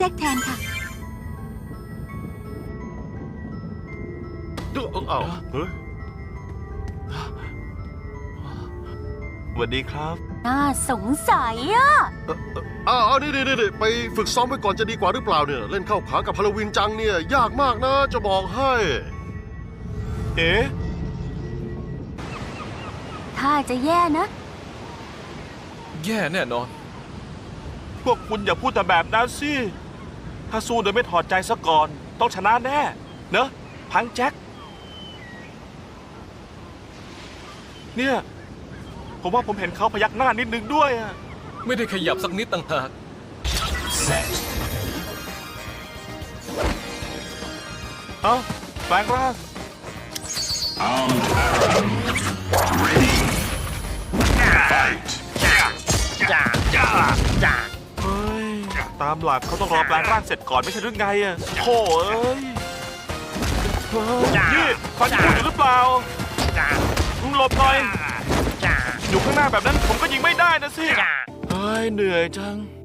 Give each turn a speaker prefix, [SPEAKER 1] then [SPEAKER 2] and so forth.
[SPEAKER 1] แจ็คแทนค่ะ
[SPEAKER 2] อ้าวเฮ้ยสวัสดีครับ
[SPEAKER 1] น่าสงสัยอ่ะ
[SPEAKER 3] นี่ไปฝึกซ้อมไว้ก่อนจะดีกว่าหรือเปล่าเนี่ยเล่นเข้าขากับฮาโลวีนจังเนี่ยยากมากนะจะบอกให้
[SPEAKER 2] เอ๊ะ
[SPEAKER 1] ถ้าจะแย่นะ
[SPEAKER 4] แย่แน่นอน
[SPEAKER 2] พวกคุณอย่าพูดแต่แบบนั้นสิ ถ้าสู้โดยไม่ถอดใจซะก่อน ต้องชนะแน่ เนอะพังแจ็ค เนี่ย ผมว่าผมเห็นเขาพยักหน้านิดนึงด้วยอะ
[SPEAKER 4] ไม่ได้ขยับสักนิดต่างหาก
[SPEAKER 2] เอ้าแปลงร่าง เฮ้ย ตามหลักเขาต้องรอแปลงร่างเสร็จก่อนไม่ใช่หรือไงอะโถ่เอ้ยเฮ้ยนี่ฟังพูดอยู่หรือเปล่าหลบหน่อย อยู่ข้างหน้าแบบนั้นผมก็ยิงไม่ได้นะสิ เฮ้ย เหนื่อยจัง